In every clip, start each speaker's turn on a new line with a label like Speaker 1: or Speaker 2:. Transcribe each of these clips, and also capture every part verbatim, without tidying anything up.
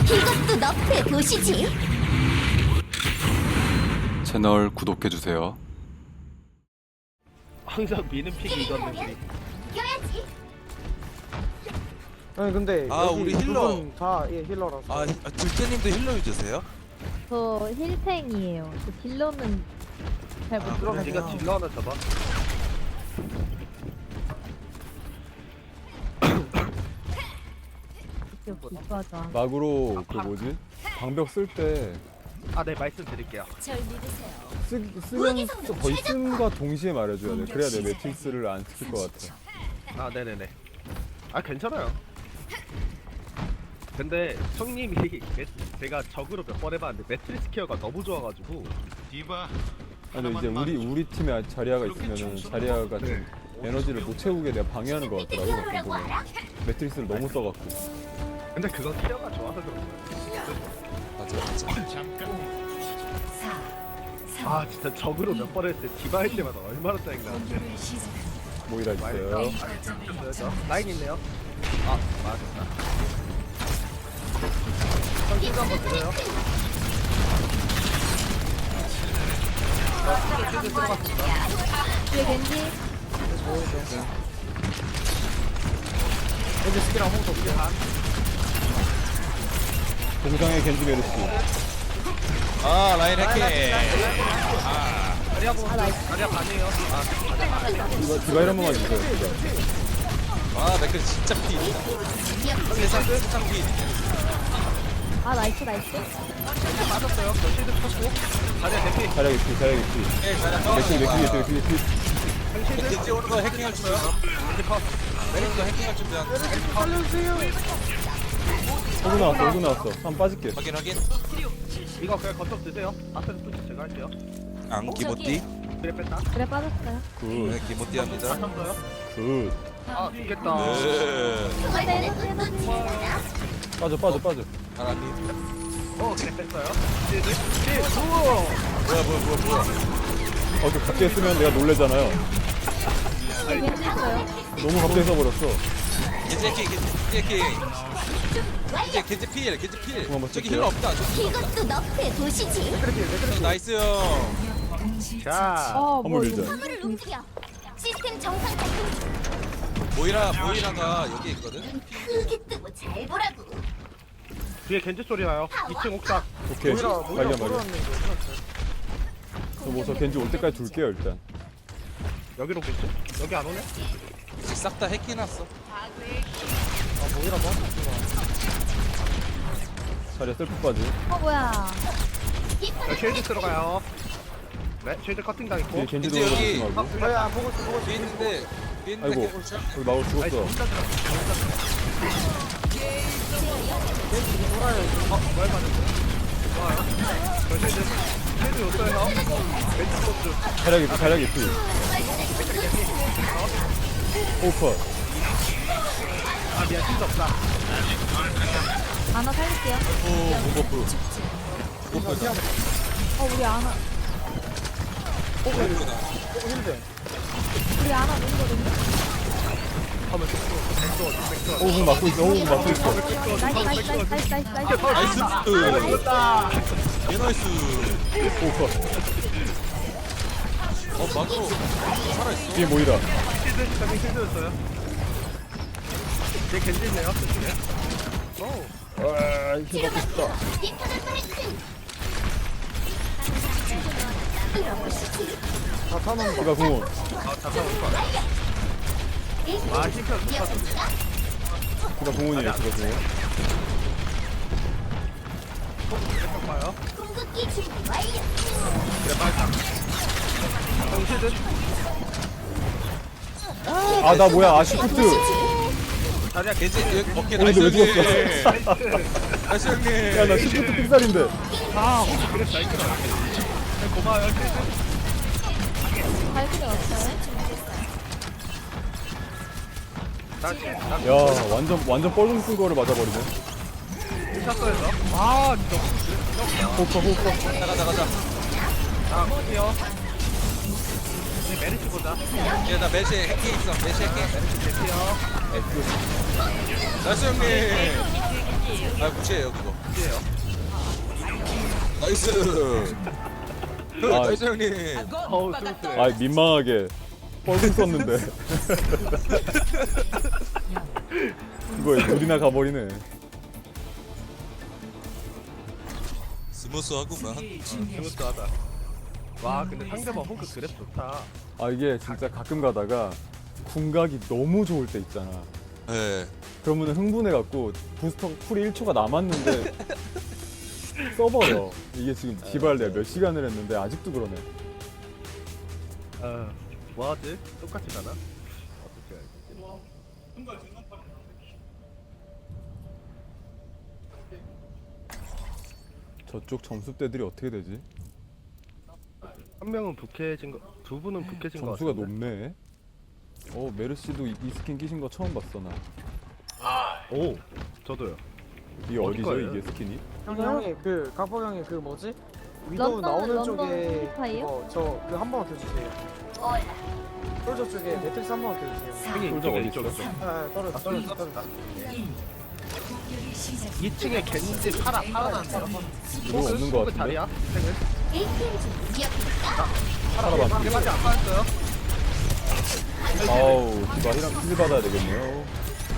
Speaker 1: 이것도 너프에 보시지.
Speaker 2: 채널 구독해주세요.
Speaker 3: 항상 미는 픽이 이건데.
Speaker 1: 이겨야지.
Speaker 4: 아니 근데
Speaker 5: 아,
Speaker 4: 여기
Speaker 5: 우리
Speaker 4: 두
Speaker 5: 힐러.
Speaker 4: 분 다 예, 힐러라서.
Speaker 5: 아, 아 들깨님도 힐러 유저세요?
Speaker 6: 저 힐탱이에요. 저 딜러는 잘 못
Speaker 5: 아,
Speaker 6: 들어가요.
Speaker 5: 그래?
Speaker 3: 네가 딜러 하나 잡아.
Speaker 6: 비싸죠.
Speaker 7: 막으로 그 뭐지? 방벽 쓸 때
Speaker 3: 아, 네 말씀드릴게요.
Speaker 1: 절 믿으세요.
Speaker 7: 쓰면 거의 쓴과 동시에 말해줘야 돼. 그래야 내 매트릭스를 안 시킬 것 같아.
Speaker 3: 아, 네네네. 아, 괜찮아요. 근데 형님이 매- 제가 적으로 몇 번 해봤는데 매트리스 케어가 너무 좋아가지고.
Speaker 8: 디바
Speaker 7: 아, 근데 이제 우리 우리 팀에 자리아가 있으면은 자리아가 좀 에너지를 못 채우게 내가 방해하는 것 같더라고. 가끔 보면 매트릭스를 너무 써갖고.
Speaker 3: 근데 그건 케어가 좋아서 그런 거야.
Speaker 5: 맞아, 맞아.
Speaker 8: 잠깐
Speaker 3: 아, 진짜 적으로 몇 번 했을 때 디바 할 때마다 얼마나 짜증나는데.
Speaker 7: 모이라 있어요.
Speaker 3: 저 라인 있네요. 아, 맞았다. 형 힐도 한번 드려요. 저 힐드 들어갔습니다.
Speaker 6: 뒤에 겐지.
Speaker 4: 왠지 스킬 아무것도 없게.
Speaker 7: 동상의 겐지 메르시.
Speaker 5: 아, 라인 해킹.
Speaker 3: 다리아 보 다리아 반이에요. 아,
Speaker 7: 디바 디바일 한 번만 주세요. 디바.
Speaker 5: 아, 맥클 진짜 피. 세상 세상 피.
Speaker 6: 아 나이스 나이스.
Speaker 3: 힐드 빠졌어요. 저 힐드 쳤고. 다리아 대피.
Speaker 7: 자리아 개피, 자리아 개피.
Speaker 5: 예, 잘했어.
Speaker 7: 맥힐 맥힐 맥힐 맥힐 맥힐.
Speaker 5: 겐지 오는 거 해킹할 준비야. 메리도 해킹할 준비야.
Speaker 7: 호구 나왔어, 호구 나왔어. 한번 빠질게.
Speaker 5: 확인 확인.
Speaker 3: 이거 그냥 거tok 드세요. 앞에서 푸시 제가 할게요.
Speaker 5: 앙 기모띠.
Speaker 3: 그래 뺐다.
Speaker 6: 그래 빠졌어요.
Speaker 7: 굿,
Speaker 5: 네, 기모띠 합니다.
Speaker 3: 쳤어요.
Speaker 7: 굿.
Speaker 3: 아, 이겼다.
Speaker 5: 네.
Speaker 6: 근데 해놓지
Speaker 7: 빠져, 빠져, 빠져.
Speaker 5: 바람이.
Speaker 3: 어, 그래 뺐어요. 힐드. 힐드. 우와.
Speaker 5: 뭐야 뭐야 뭐야 뭐야.
Speaker 7: 어, 또 갑자기 쓰면 내가 놀래잖아요.
Speaker 6: 겐지 있어요.
Speaker 7: 너무 갑자기 써버렸어.
Speaker 5: 겐지 해킹 겐지 해킹. 이제 겐지 필 겐지 필.
Speaker 7: 그만 봐,
Speaker 5: 저기
Speaker 7: 쓸게요.
Speaker 5: 힐러 없다. 저기 힐러 없다.
Speaker 1: 이것도 너프에 보시지.
Speaker 5: 형, 나이스 형.
Speaker 3: 자.
Speaker 6: 어,
Speaker 7: 한번
Speaker 6: 뭐
Speaker 7: 밀자.
Speaker 6: 이거
Speaker 1: 화물을 움직여. 시스템 정상 작동.
Speaker 5: 모이라 모이라가 여기 있거든.
Speaker 1: 크게 뜨고 잘 보라고.
Speaker 3: 뒤에 겐지 소리 나요. 이 층 옥상.
Speaker 7: 오케이.
Speaker 4: 모이라 모이라
Speaker 7: 발견 발견.
Speaker 4: 걸어놨는데.
Speaker 7: 저뭐저 겐지 올 때까지 둘게요 일단.
Speaker 3: 여기로 오겠지? 여기 안 오네?
Speaker 5: 싹 다 해킹해놨어.
Speaker 4: 아 모이라 뭐?
Speaker 7: 자리아 셀프 빠지.
Speaker 6: 어 뭐야?
Speaker 3: 자, 쉴드 들어가요. 네, 쉴드 커팅 당했고.
Speaker 7: 뒤에 겐지도
Speaker 5: 겐지 여기.
Speaker 7: 오지 말고.
Speaker 4: 저희 안 보고 있어 보고 있어.
Speaker 5: 뒤에 있는데 뒤에 있는데
Speaker 7: 아이고.
Speaker 5: 개골차.
Speaker 7: 우리 마울
Speaker 3: 아니,
Speaker 7: 죽었어.
Speaker 3: 저 혼자 들어갔어. 저 혼자 들어갔어. 어, 뭘 받았어요? 좋아요. 저 쉴드. 쉴드 줬어요. 왼쪽 코트.
Speaker 7: 자리아 개피, 자리아 개피. 오퍼.
Speaker 3: 아, 미안, 쉴드 없다.
Speaker 6: 아나 살릴게요.
Speaker 5: 오 무버프. 무버프다.
Speaker 6: 어 우리 아나
Speaker 5: 무버프다.
Speaker 6: 우리 아나 누구거든요?
Speaker 3: 하면 백도, 백도, 백도.
Speaker 7: 호구 막고 있어, 호구 막고 있어.
Speaker 6: 나이스 나이스 나이스 나이스 나이스 나이스.
Speaker 5: 나이스.
Speaker 3: 이겼다.
Speaker 5: 개 나이스.
Speaker 7: 오퍼.
Speaker 5: 어 막으로 살아있어.
Speaker 7: 뒤에 모이라.
Speaker 3: 쉴드, 저기 쉴드였어요. 뒤에 겐지 있네요, 저쪽에. 오.
Speaker 7: 아, 힘 받고 싶다.
Speaker 4: 다 타는 거.
Speaker 7: 디바 궁원.
Speaker 3: 아, 잠깐 올 거야. 아, 힐편 못 봤어.
Speaker 7: 디바 궁원이에요, 디바 궁원.
Speaker 3: 힐편 봐요.
Speaker 1: 궁극기 준비 완료.
Speaker 3: 그래, 빨리 딱. 형 쉴드.
Speaker 7: 아, 나 뭐야, 아, 시프트.
Speaker 5: 아니야 겐지 여기 오케이
Speaker 7: 어,
Speaker 5: 나이스
Speaker 7: 근데 왜
Speaker 5: 형님.
Speaker 3: 나이스.
Speaker 5: 나이스 형님.
Speaker 7: 야, 나 시프트 삑살인데.
Speaker 3: 아, 혹시 그랬어, 이거. 고마워요, 쉴드.
Speaker 6: 발길이 왔어요.
Speaker 3: 나, 나,
Speaker 7: 야, 완전, 완전 뻘궁 쓴 거를 맞아버리네.
Speaker 3: 쳤어요, 저. 아, 진짜.
Speaker 7: 호퍼, 호퍼.
Speaker 5: 가자 가자 가자.
Speaker 3: 자, 볼게요. 이제 메리츠 보자.
Speaker 5: 얘나 매시 해킹 있어. 매시 해킹.
Speaker 3: 메리츠 대피요.
Speaker 5: 나이스 형님. 아 무시해요 그거.
Speaker 3: 겐지예요.
Speaker 5: 나이스.
Speaker 7: 아.
Speaker 5: 나이스 형님.
Speaker 3: 어우 스무스해.
Speaker 7: 아 민망하게 뻘궁 썼는데 이거에 둘이나 가버리네.
Speaker 5: 스무스하구만.
Speaker 3: 스무스하다. 와 근데 상대방 호그 그랩 좋다.
Speaker 7: 아 이게 진짜 가끔 가다가 궁각이 너무 좋을 때 있잖아.
Speaker 5: 네.
Speaker 7: 그러면 흥분해갖고 부스터 쿨이 일 초가 남았는데 써버려. 이게 지금 디발 내가 몇 시간을 했는데 아직도 그러네.
Speaker 3: 어 뭐하지? 똑같이 가나? 어떻게 알지?
Speaker 7: 저쪽 점수대들이 어떻게 되지?
Speaker 3: 한 명은 북해진 거, 두 분은 북해진 거
Speaker 7: 점수가
Speaker 3: 같은데?
Speaker 7: 높네. 어 메르시도 이, 이 스킨 끼신 거 처음 봤어 나.
Speaker 3: 오 저도요.
Speaker 7: 이게
Speaker 3: 어디
Speaker 7: 어디죠
Speaker 3: 거예요?
Speaker 7: 이게 스킨이?
Speaker 4: 형이 형이 그 각보 형이 그 뭐지? 위도우
Speaker 6: 런던-
Speaker 4: 나오는
Speaker 6: 런던
Speaker 4: 쪽에
Speaker 6: 스파이요?
Speaker 4: 저그 한 번만 켜주세요. 솔저 쪽에 매트릭스 한 번만 켜주세요.
Speaker 3: 형이
Speaker 7: 솔저 어디
Speaker 3: 이쪽에
Speaker 7: 있어?
Speaker 3: 이쪽에.
Speaker 4: 아 떨어졌어 떨어졌어 떨어졌어.
Speaker 3: 이 층에 겐지 파라 파라나는데요.
Speaker 7: 이거 없는 거 같은데?
Speaker 3: 자리야?
Speaker 1: 에이티엠 중 미역국밥.
Speaker 7: 살아봐.
Speaker 3: 대박이 안 빠졌어요.
Speaker 7: 아우 디바 힐, 힐 받아야 되겠네요.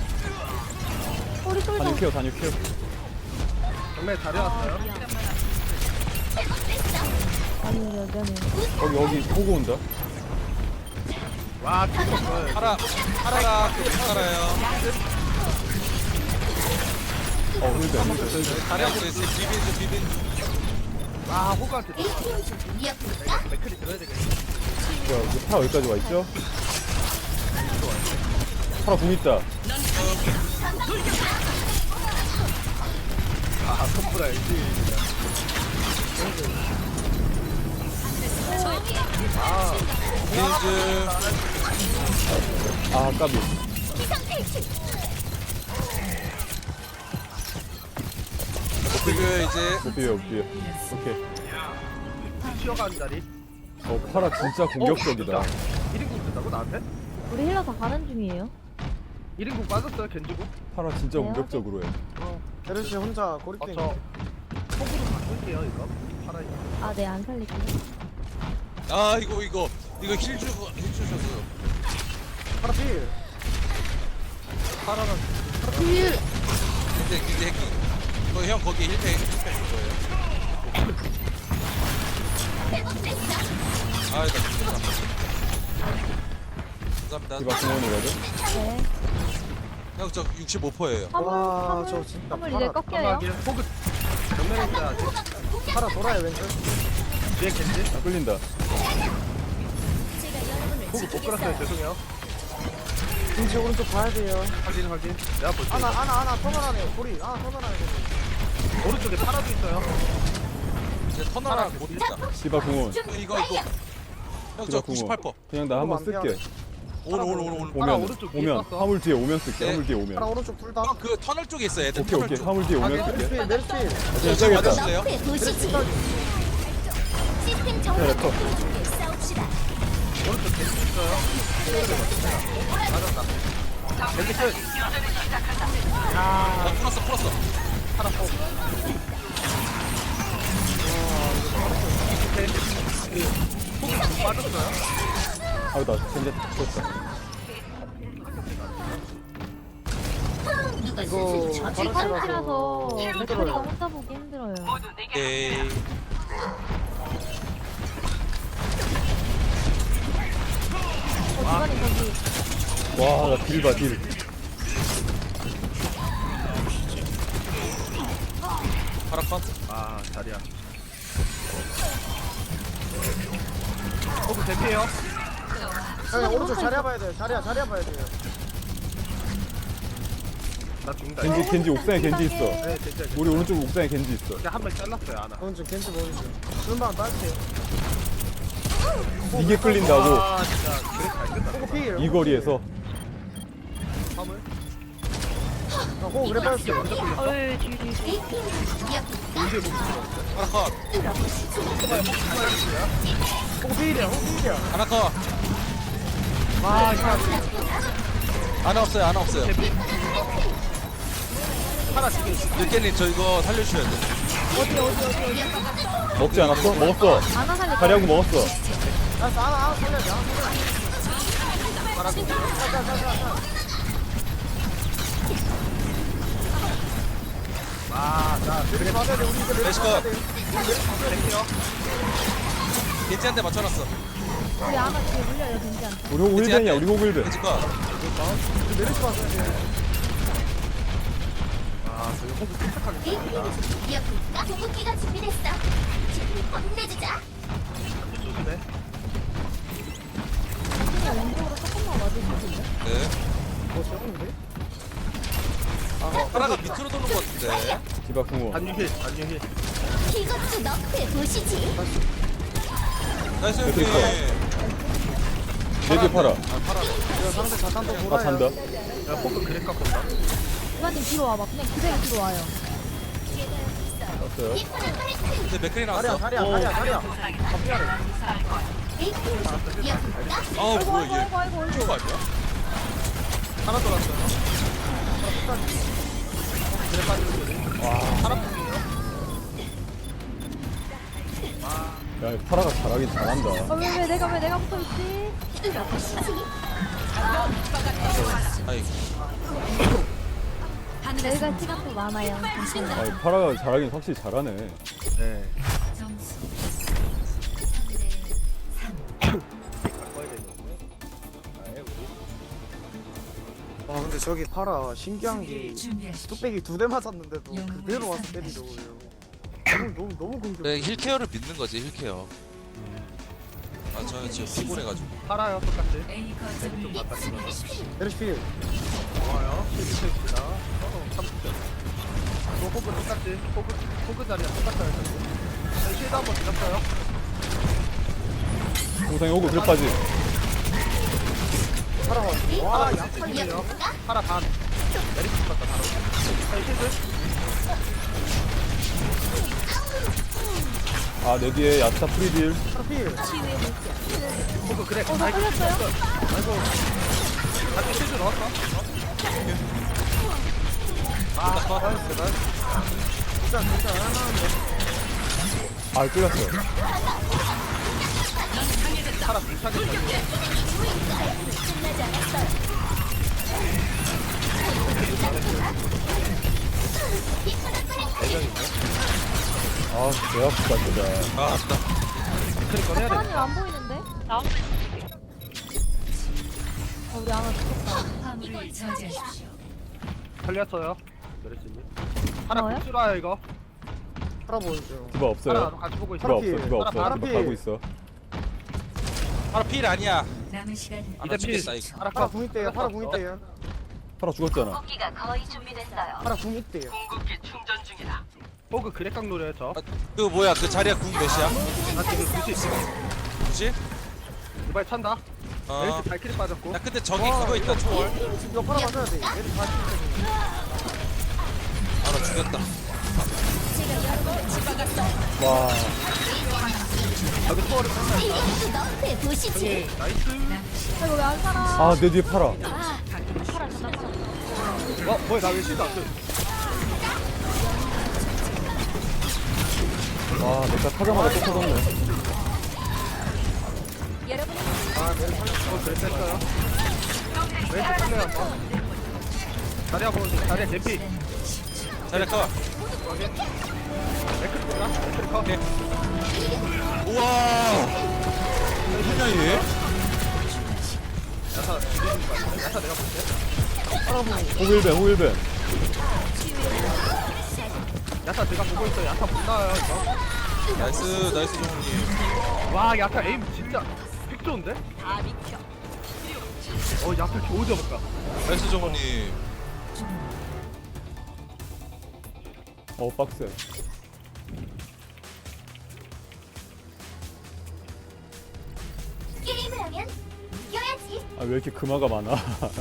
Speaker 6: 우리 솔저.
Speaker 7: 단유 케어 단유 케어.
Speaker 3: 정말 자리 왔어요.
Speaker 6: 아니 여전히.
Speaker 7: 여기 여기 보고 온다.
Speaker 3: 와 뒤집어.
Speaker 5: 파라 파라가 그 파라요.
Speaker 7: 어 힐벤 힐벤.
Speaker 5: 나이스 비빈 중 비빈 중.
Speaker 3: 와 호그한테
Speaker 1: 에이티엠 중 미역국밥.
Speaker 3: 맥클이 들어야 되겠네.
Speaker 7: 야 이거 파라 여기까지 와 있죠? 파라 궁 있다.
Speaker 3: 아 선불 알지.
Speaker 5: 빈즈.
Speaker 7: 아 까비.
Speaker 5: 그리고 이제
Speaker 7: 못 비벼 못 비벼. 오케이.
Speaker 3: 튀어가는 자리.
Speaker 7: 어 파라 진짜 공격적이다.
Speaker 3: 일 인국 뜬다고 나한테?
Speaker 6: 우리 힐러 다 가는 중이에요.
Speaker 3: 일 인국 빠졌어요 겐지국?
Speaker 7: 파라 진짜
Speaker 6: 네,
Speaker 7: 공격적으로 해.
Speaker 4: 베르시 혼자 고립돼
Speaker 3: 어저
Speaker 4: 있는데.
Speaker 3: 속으로 바꿀게요 이거. 파라 이거.
Speaker 6: 아 네 안 살릴게요.
Speaker 5: 아 이거 이거 이거 힐 주고 힐 주셨어요.
Speaker 4: 파라 필.
Speaker 3: 파라는
Speaker 5: 근데 근데 핵이 이거 형 거기 힐팩 힐팩 줄 거예요. 아 이거 감사합니다.
Speaker 7: 디바 공원이거든.
Speaker 6: 네.
Speaker 5: 형 저 육십오 퍼센트예요.
Speaker 6: 화물
Speaker 4: 와,
Speaker 6: 화물
Speaker 4: 저 진짜
Speaker 6: 화물
Speaker 4: 파라-
Speaker 6: 이제 꺾여요.
Speaker 3: 파라하게 호그 정면에 있어야지.
Speaker 4: 파라 돌아요 왼쪽.
Speaker 3: 뒤에 겐지?
Speaker 7: 아 끌린다.
Speaker 3: 호그 못 끌었어요 죄송해요.
Speaker 4: 왼쪽 오른쪽 봐야 돼요.
Speaker 3: 확인 확인. 내가 볼게.
Speaker 4: 아나 아나 아나 터널 안에 고리. 아나 터널 안에 고리.
Speaker 3: 오른쪽에 파라도 있어요.
Speaker 5: 이제 터널랑 못 있다.
Speaker 7: 디바 공원.
Speaker 5: 이거 이거 형 저
Speaker 7: 디바
Speaker 5: 구십팔
Speaker 7: 공원.
Speaker 5: 퍼센트.
Speaker 7: 그냥 나 한번
Speaker 4: 그거 안
Speaker 7: 쓸게.
Speaker 5: 오늘 오늘 오늘 오늘.
Speaker 3: 파라
Speaker 7: 오면
Speaker 3: 오른쪽 위에
Speaker 7: 오면
Speaker 3: 떴어.
Speaker 7: 화물 뒤에 오면 쓸게.
Speaker 5: 네.
Speaker 7: 화물 뒤에
Speaker 4: 파라
Speaker 7: 오면.
Speaker 4: 오른쪽 둘 다.
Speaker 5: 형 그 터널 쪽에 있어요. 애들
Speaker 7: 오케이
Speaker 5: 터널
Speaker 7: 오케이
Speaker 5: 쪽.
Speaker 7: 화물 뒤에 오면
Speaker 4: 메르시
Speaker 7: 쓸게.
Speaker 4: 필 메르시 필.
Speaker 7: 그냥 써야겠다.
Speaker 5: 맞으실래요?
Speaker 1: 네, 도시지. 시스템
Speaker 7: 네,
Speaker 1: 정상
Speaker 7: 컷.
Speaker 1: 작동 중에 싸웁시다.
Speaker 3: 오른쪽 겐지 있어요. 맞았다. 겐지 끝.
Speaker 5: 나 풀었어 풀었어.
Speaker 3: 파라 포. 호그 빠졌어요.
Speaker 7: 아우 나 진짜 죽었다.
Speaker 4: 이거
Speaker 6: 우리
Speaker 4: 파라시라서
Speaker 6: 파르시라서 맥크리가
Speaker 4: 힘들어요.
Speaker 6: 혼자 보기 힘들어요.
Speaker 5: 에이.
Speaker 6: 어 주관이 저기.
Speaker 7: 와나 딜 봐 딜.
Speaker 5: 파라 컷.
Speaker 3: 아 자리야. 호그 대피해요.
Speaker 4: 형 오른쪽 자리 봐야 돼요. 자리야 자리 봐야 돼요.
Speaker 3: 나 죽는다.
Speaker 7: 겐지 겐지 옥상에 겐지 있어.
Speaker 3: 네 겐지.
Speaker 7: 우리 오른쪽 옥상에 겐지 있어.
Speaker 3: 이제 한명 잘랐어요 하나.
Speaker 4: 오른쪽 겐지 오른쪽. 눈만 빠질게요.
Speaker 7: 이게 끌린다고
Speaker 3: 아 진짜 그래 잘 끝났다.
Speaker 4: 호구 필.
Speaker 7: 이 거리에서.
Speaker 3: 화물.
Speaker 4: 호구 그래 빠졌어요.
Speaker 6: 어이 뒤 뒤.
Speaker 1: 에이티엠 중 미역국밥.
Speaker 5: 파라 컷.
Speaker 4: 호구 필이야 호구 필이야.
Speaker 5: 하나 컷.
Speaker 4: 와 이거
Speaker 5: 하나 없어요 하나 없어요. 하나 지금 늦게님 저 이거 살려주셔야 돼.
Speaker 6: 어디 어디 어디 어디.
Speaker 7: 먹지 않았어? 먹었어.
Speaker 6: 아나 살렸다.
Speaker 7: 자리하고 먹었어.
Speaker 4: 알았어 하나 하나 살려줘 하나 살려줘 가가가가 아자 그래 맞아야 돼 우리 이제
Speaker 5: 레시컷.
Speaker 4: 맞아야 돼
Speaker 5: 겐지한테 맞춰놨어.
Speaker 6: 우리 아나 뒤에 물려요 겐지한테.
Speaker 7: 우리 호구 힐벤이야. 우리 호구 힐벤.
Speaker 5: 겐지 거.
Speaker 4: 우리 메르시 맞아야 돼아 저기 호구 침착하게
Speaker 1: 이어볼까? 궁극기가 준비됐어. 지금 혼내주자.
Speaker 4: 좋은데
Speaker 6: 그냥 왼쪽으로 조금만 와주시겠어요?
Speaker 5: 네.
Speaker 4: 뭐 시원한데?
Speaker 5: 하나가 밑으로 도는 것 같은데.
Speaker 7: 디바 궁원.
Speaker 3: 안유힐 안유힐
Speaker 1: 이것도 너프에 보시지.
Speaker 5: 나이스 형님.
Speaker 7: 그러니까. 내 뒤에 팔아.
Speaker 4: 이거 상대 자탄도
Speaker 7: 아
Speaker 4: 돌아요
Speaker 7: 잔다.
Speaker 3: 야 호그 그래 깎았다
Speaker 6: 이관님 뒤로 와봐. 그냥 그대로 뒤로 와요.
Speaker 7: 떴어요.
Speaker 1: 이쁘는 파이팅.
Speaker 5: 이제 맥클이
Speaker 4: 다리야
Speaker 5: 나왔어.
Speaker 4: 다리야 다리야 다리야 앞이야
Speaker 1: 이어볼까?
Speaker 5: 아우
Speaker 6: 아이고
Speaker 5: 뭐야
Speaker 6: 아이고
Speaker 5: 얘.
Speaker 6: 아이고 아이고 아이고.
Speaker 5: 이거 아니야?
Speaker 3: 하나 돌았어요
Speaker 7: 야 파라가 잘하긴 잘한다.
Speaker 6: 아왜 왜 내가 왜 내가 붙어있지?
Speaker 5: 아이
Speaker 6: 내가 시간도 많아요.
Speaker 7: 아 파라가 잘하긴 확실히 잘하네.
Speaker 3: 네
Speaker 4: 와 근데 저기 파라 신기한 게 뚝배기 두 대 맞았는데도 그대로 와서 때리더군요 너무 너무 너무 공격
Speaker 5: 네, 힐케어를 믿는 거지 힐케어. 아 저는 지금 피곤해가지고.
Speaker 3: 팔아요 똑같이
Speaker 4: 메르시 필
Speaker 3: 좋아요 실수입니다 서로 삼십점 또 호그 똑같이 호그 호그 자리야 똑같아요 저기 실드 한번 드렸어요
Speaker 7: 동상이 호구 그래 빠지.
Speaker 4: 파라 와
Speaker 3: 와
Speaker 4: 야,
Speaker 3: 약팔이에요 파라 반 메리트 똑같다 바로 자 실드
Speaker 7: 아 내 뒤에 야타 프리딜.
Speaker 4: 파라 필
Speaker 3: 호그 그래
Speaker 6: 어, 나 끌렸어요?
Speaker 3: 아이고 같이 실드 넣었어 아 나이스 나이스
Speaker 4: 진짜 진짜 하나는데
Speaker 7: 아 끌렸어.
Speaker 3: 파라 불타게
Speaker 1: 끝나지 않았어요.
Speaker 7: 아개 아프다 진짜.
Speaker 5: 아 나.
Speaker 3: 그러니까 해야 돼
Speaker 6: 사람이 안 보이는데? 나. 아 우리 아나 죽었다.
Speaker 3: 살렸어요 메리트님 하나
Speaker 6: 나와요?
Speaker 3: 굿수라요 이거
Speaker 4: 파라 보여줘
Speaker 7: 디바 없어요.
Speaker 3: 하나 같이 보고 있어
Speaker 7: 디바 없어. 디바
Speaker 3: 파라
Speaker 7: 없어.
Speaker 3: 파라
Speaker 7: 디바
Speaker 4: 필.
Speaker 7: 가고 있어.
Speaker 5: 바로 필 아니야.
Speaker 8: 남은 시간
Speaker 5: 아,
Speaker 3: 이제
Speaker 5: 나
Speaker 3: 필
Speaker 5: 죽겠다 이거.
Speaker 3: 파라
Speaker 4: 파라
Speaker 3: 컷
Speaker 4: 궁 있대요 파라 궁 있대요
Speaker 7: 파라 죽었잖아.
Speaker 8: 공기가 거의 준비됐어요.
Speaker 4: 파라 궁 있대요
Speaker 3: 호그 그래깡 노려요 저
Speaker 5: 아, 그 뭐야 그 자리야 궁 몇이야?
Speaker 3: 나 지금 구십
Speaker 5: 뭐지?
Speaker 3: 이발 찬다
Speaker 5: 어.
Speaker 3: 메리트 발키리 빠졌고
Speaker 5: 야 근데 저기 그거 있다 초월.
Speaker 4: 이거 파라 맞아야 돼 메르시 다 죽이거든
Speaker 5: 아나 죽였다.
Speaker 7: 와.
Speaker 3: 여기 투어를 찬다
Speaker 1: 이것도 너프에 보시지.
Speaker 3: 나이스
Speaker 6: 이거 왜 안 살아?
Speaker 7: 아 내 뒤에 파라.
Speaker 6: 팔아 잡아 팔아.
Speaker 3: 어 뭐야 나 왜 실드 안 돼?
Speaker 7: 와 내가 타자마자 또 터졌네.
Speaker 1: 여러분의
Speaker 3: 아 메리트 살렸어 어, 그래 뺐어요 메리트 살려요 한번 자리야 보는 자리야 제피
Speaker 5: 잘했어.
Speaker 3: 맥크리 보자 맥크리 컷
Speaker 5: 오케이. 우와. 뭐냐 얘?
Speaker 3: 야타 야타 내가 볼게
Speaker 7: 호구 힐벤 호구 힐벤.
Speaker 3: 야타 제가 보고 있어 야타 못 나와요 이거
Speaker 5: 나이스 나이스 종님.
Speaker 3: 와 야타 에임 진짜 픽 좋은데? 어 야타 겨우 잡았다
Speaker 5: 나이스 종님.
Speaker 7: 어 빡세.
Speaker 1: 게임을 하면 이겨야지.
Speaker 7: 아 왜 이렇게 금화가 많아.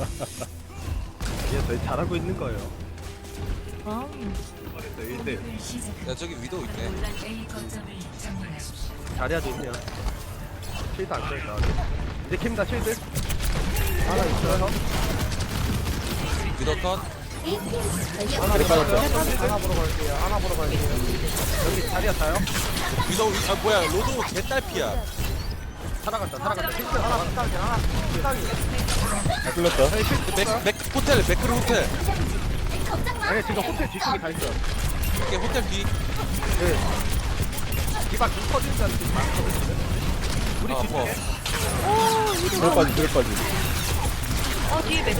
Speaker 3: 얘 저희 잘하고 있는 거예요
Speaker 6: 아.
Speaker 3: 그래서 일 대
Speaker 5: 야 저기 위도 있네.
Speaker 8: A 거점을 점령하십시오.
Speaker 3: 자리야도 있네요 실드 안 써있다 이제 캡니다 실드 하나 있어요
Speaker 5: 위도 컷.
Speaker 3: 하나 보러 갈게요.
Speaker 4: 하나 보러 갈게요. 하나 보러 갈게요.
Speaker 3: 여기 자리야 타요?
Speaker 5: 위도 아 뭐야 로도 개딸피야.
Speaker 3: 살아간다 살아간다. 힐
Speaker 4: 하나 피딱이 하나 피딱이.
Speaker 7: 다 끌렸다.
Speaker 5: 맥, 맥 호텔 맥크로 호텔.
Speaker 3: 아니 지금 호텔 뒤쪽에 다 있어요.
Speaker 5: 이게 호텔 뒤.
Speaker 3: 네. 디바 좀 터지는 자리 좀 많거든요. 우리
Speaker 5: 아 뭐.
Speaker 3: 뒤쪽에
Speaker 7: 들어 빠지 들어 빠지.
Speaker 6: 어 뒤에 매도.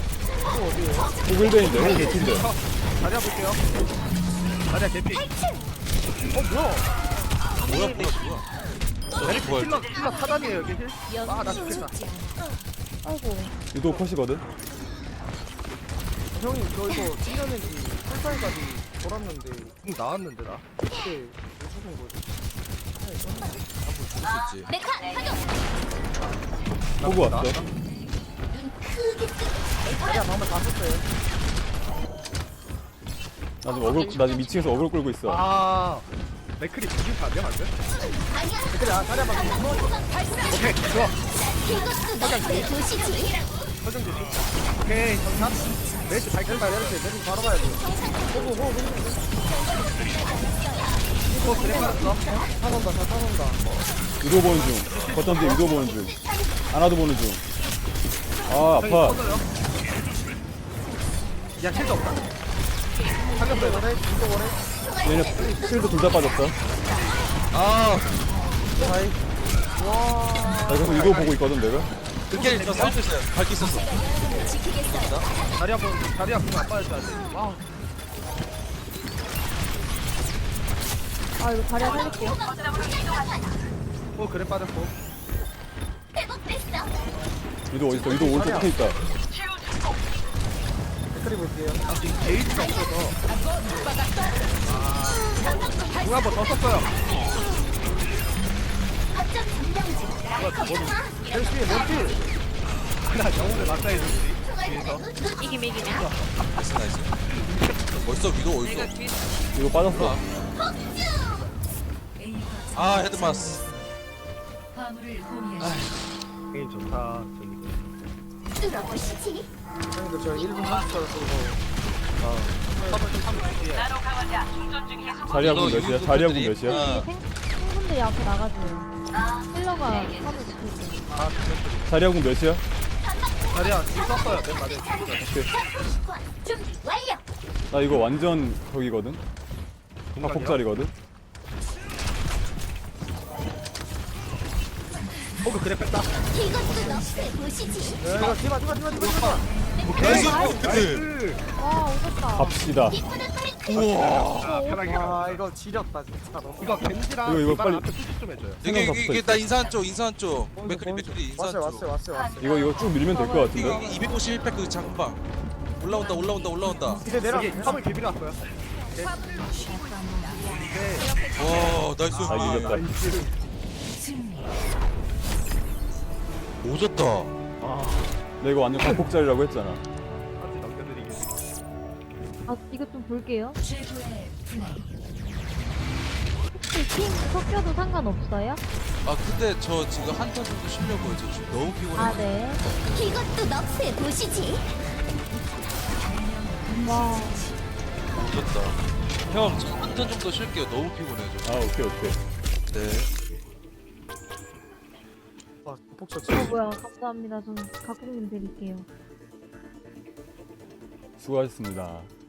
Speaker 7: 호글베인데 호글 개핀데.
Speaker 3: 자리야 볼게요. 자리야 개피. 어 뭐야?
Speaker 5: 뭐야 뭐야 뭐야.
Speaker 3: 메리트
Speaker 5: 뭘.
Speaker 3: 킬러 킬러 타단이에요 여기 힐. 아나 죽겠다.
Speaker 6: 아이고.
Speaker 7: 유도 컷이거든.
Speaker 4: 형님 저 이거 칠년인지 칠살까지 돌았는데
Speaker 3: 응 나왔는데 나.
Speaker 4: 그때 왜 죽은 거지?
Speaker 5: 볼수 있지.
Speaker 1: 메카 가동.
Speaker 7: 호구 왔어.
Speaker 3: 나왔다.
Speaker 1: 눈 크게 뜨고.
Speaker 4: 자리야 방금 다 썼어요.
Speaker 7: 나 지금 어글 나 지금 이 층에서 어글 끌고 있어.
Speaker 3: 아 맥크리 지금 가면 안 돼?
Speaker 1: 아니야.
Speaker 4: 그래 아, 자리야 방금
Speaker 3: 오케이 좋아.
Speaker 1: 이것도 너의 도시지.
Speaker 3: 설정 주시. 오케이 정상. 메리트 발견다
Speaker 4: 내릴 때 내릴 바로 가야 돼. 호구 호구 호구.
Speaker 3: 또 그래 말았어.
Speaker 4: 타선다 다 타선다.
Speaker 7: 유도 보는 중. 거점 뒤에 유도 보는 중. 하나도 보는 중. 아
Speaker 3: 형이
Speaker 7: 아파.
Speaker 3: 터져요. 야 실드 없다.
Speaker 4: 살렸어요 원래 이거 원래.
Speaker 7: 얘네 실드 둘 다 빠졌어.
Speaker 5: 아
Speaker 4: 사이.
Speaker 7: 나 계속 유도 보고 있거든 내가.
Speaker 5: 그게 저 살수 있어요. 밝기 있었어.
Speaker 3: 자리 한번 자리 한번 안 빠졌다. 와.
Speaker 6: 아 이거 자리야 살릴게요.
Speaker 3: 어 그래 빠졌고.
Speaker 1: 회복됐어.
Speaker 7: 유도 어디 있어? 유도 오른쪽 끝에 있다.
Speaker 4: 댓글이 볼게요.
Speaker 3: 아 지금 게이지가 없어서. 아. 누가 한번 더 썼어요.
Speaker 1: 거점 점령 중.
Speaker 4: 헬스에 런치.
Speaker 3: 나 영웅을 맞다해 주지. 뒤에서.
Speaker 6: 이기면 이기냐?
Speaker 5: 나이스 나이스. 벌써 위도 어딨어?
Speaker 7: 유도 빠졌어.
Speaker 5: 아 헤드마스.
Speaker 8: 화물을 호위하십시오.
Speaker 3: 게임 좋다. 저기.
Speaker 1: 뚫어보시지.
Speaker 4: 형님들 저 일 분 삼십 초를 쓰고.
Speaker 7: 자리하고 몇이야? 자리하고 몇이야?
Speaker 5: 아,
Speaker 6: 생 생분들이 앞에 나가줘요. 힐러가 화물 붙고 있어요.
Speaker 3: 아 그랬더니.
Speaker 7: 자리하고 몇이야?
Speaker 3: 자리야 지금 썼어요. 맨 말에.
Speaker 1: 준비 완료.
Speaker 7: 나 이거 완전 거기거든. 각폭자리거든.
Speaker 3: 호그 그래 뺐다.
Speaker 1: 이것도 너의 도시지.
Speaker 4: 야 이거 디바 디바 디바 디바 디바.
Speaker 3: 오케이.
Speaker 5: 나이스.
Speaker 3: 나이스.
Speaker 6: 와 오셨다.
Speaker 7: 갑시다.
Speaker 5: 우와.
Speaker 3: 편하게.
Speaker 4: 와 이거 지렸다 진짜로.
Speaker 3: 이거 겐지랑
Speaker 7: 이거, 이거
Speaker 3: 디바랑
Speaker 7: 빨리-
Speaker 3: 앞에 푸시 좀 해줘요.
Speaker 5: 이게 이게, 이게 나 인사한 쪽 인사한 쪽. 맥크리 맥크리 인사한
Speaker 4: 왔어요
Speaker 5: 쪽.
Speaker 4: 왔어요 왔어요 왔어요.
Speaker 7: 이거 이거 쭉 밀면 될 것
Speaker 5: 이게
Speaker 7: 같은데.
Speaker 5: 이게 이백오십일 팩 그 장방. 올라온다 올라온다 올라온다.
Speaker 4: 이제 내려.
Speaker 3: 여기 화물 개비로 왔어요. 오케이.
Speaker 5: 와 나이스.
Speaker 7: 아 이겼다.
Speaker 5: 오졌다.
Speaker 7: 나 이거 완전 각폭자리라고 했잖아.
Speaker 3: 한지 넘겨드리기.
Speaker 6: 아 이거 좀 볼게요.
Speaker 8: 최고의 플레이.
Speaker 6: 혹시 팀 섞여도 상관없어요?
Speaker 5: 아 근데 저 지금 한 턴 정도 쉬려고요. 저 지금 너무 피곤해.
Speaker 6: 아 네.
Speaker 1: 이것도 너의 도시지.
Speaker 6: 와.
Speaker 5: 오졌다. 형, 저 한 턴 정도 쉴게요. 너무 피곤해 저.
Speaker 7: 아 오케이 오케이.
Speaker 5: 네.
Speaker 4: 와 폭쳐
Speaker 6: 어 뭐야 감사합니다. 전 각국님 드릴게요.
Speaker 7: 수고하셨습니다.